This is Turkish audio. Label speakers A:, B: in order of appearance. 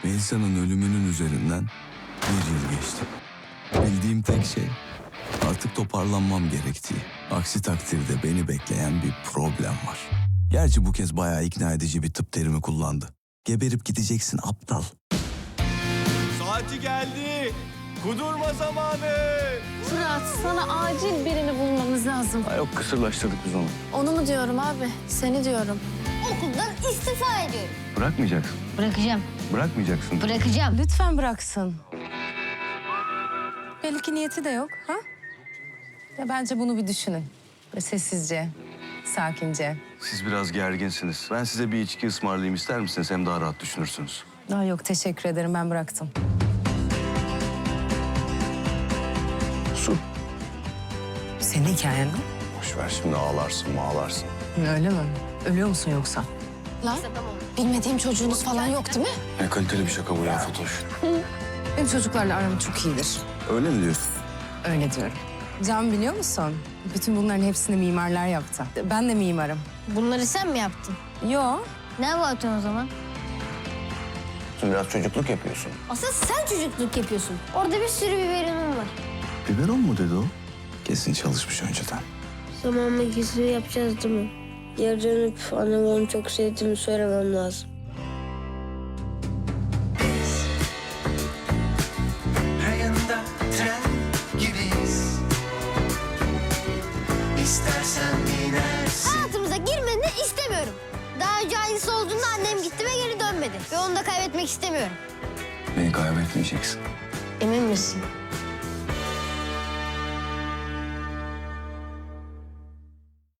A: Melisa'nın ölümünün üzerinden 1 yıl geçti. Bildiğim tek şey artık toparlanmam gerektiği. Aksi takdirde beni bekleyen bir problem var. Gerçi bu kez bayağı ikna edici bir tıp terimi kullandı. Geberip gideceksin aptal.
B: Saati geldi. Kudurma zamanı.
C: Fırat, sana acil birini bulmamız lazım.
A: Ha yok, kısırlaştırdık biz onu.
C: Onu mu diyorum abi? Seni diyorum.
D: Okuldan istifa ediyorum.
A: Bırakmayacaksın.
D: Bırakacağım.
A: Bırakmayacaksın.
D: Bırakacağım.
C: Lütfen bıraksın. Belki niyeti de yok, ha? Ya bence bunu bir düşünün. Böyle sessizce, sakince.
A: Siz biraz gerginsiniz. Ben size bir içki ısmarlayayım, ister misiniz? Hem daha rahat düşünürsünüz.
C: Aa, yok, teşekkür ederim. Ben bıraktım.
A: Su.
C: Senin hikayen mi?
A: Boş ver şimdi, ağlarsın.
C: Öyle mi? Ölüyor musun yoksa? Lan, bilmediğim çocuğunuz falan yok değil mi?
A: Ne kaliteli bir şaka bu ya Fatoş.
C: Benim çocuklarla aram çok iyidir.
A: Öyle mi diyorsun?
C: Öyle diyorum. Can, biliyor musun? Bütün bunların hepsini mimarlar yaptı. Ben de mimarım.
D: Bunları sen mi yaptın?
C: Yo.
D: Ne yapıyorsun o zaman?
A: Sen biraz çocukluk yapıyorsun.
D: Asıl sen çocukluk yapıyorsun. Orada bir sürü biberonum var.
A: Biberon mu dedi o? Kesin çalışmış önceden.
E: Zaman makinesi yapacağız değil mi? Geri dönüp anneme onu çok sevdiğimi söylemem lazım.
F: Rayında tren gibiyiz. İstersen binersin.
D: Hayatımıza girmeni istemiyorum. Daha önce aynısı olduğunda annem gitti ve geri dönmedi. Ve onu da kaybetmek istemiyorum.
A: Beni kaybetmeyeceksin.
D: Emin misin?